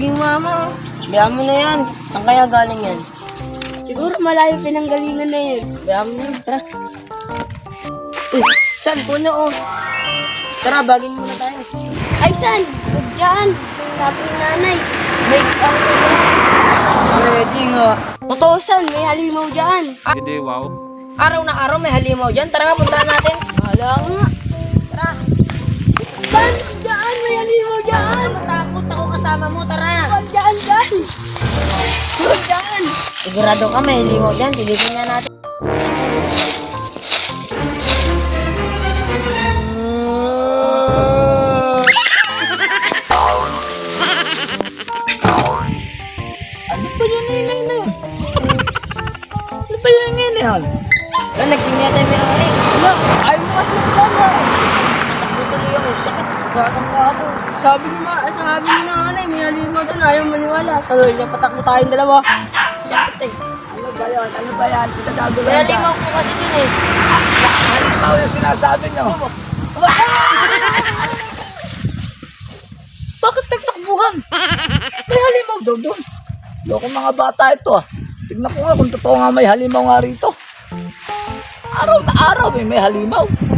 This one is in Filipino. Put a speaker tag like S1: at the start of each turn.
S1: maging mama.
S2: Bayaan mo na yan. Saan kaya galing yan?
S1: Siguro malayo pinanggalingan na yun.
S2: Bayaan mo na. Tara. Uy, saan? Puno oh. Tara, bagin muna tayo.
S1: Ay, san? Huwag dyan. Sabi ni nanay, may ang
S2: Pwede nga.
S1: totoo san, may halimaw dyan.
S3: Hindi, wow.
S2: Araw na araw may halimaw dyan. Tara nga, puntahan natin.
S1: Hala nga.
S2: Tara.
S1: San? Dyan, may halimaw dyan.
S2: Matakot ako kasama mo. Tara.
S1: Huwag dyan, dyan. Huwag dyan.
S2: Sigurado ka may halimaw dyan. Silipin nga natin.
S4: Ano ba yun na yun? Ano ba yun yan?
S2: Wala, nagsimya tayo may ari.
S4: Wala, ayaw mo kasi magkala.
S2: Takbo tuloy ako. Sakit. Gatang nga ako.
S1: Sabi ni nanay, may halimaw dyan. Ayaw maniwala. Tuloy, napatakbo tayong dalawa.
S2: Sakit eh.
S4: Ano ba yan? Ano ba yan?
S2: May
S4: Pinagagawin
S2: halimaw po kasi dun eh.
S4: Halimaw yung sinasabi nyo. Bakit nagtakbuhan? May halimaw daw doon. Loko mga bata ito ah. Tignan ko nga kung totoo nga may halimaw nga rito. Araw na araw may halimaw.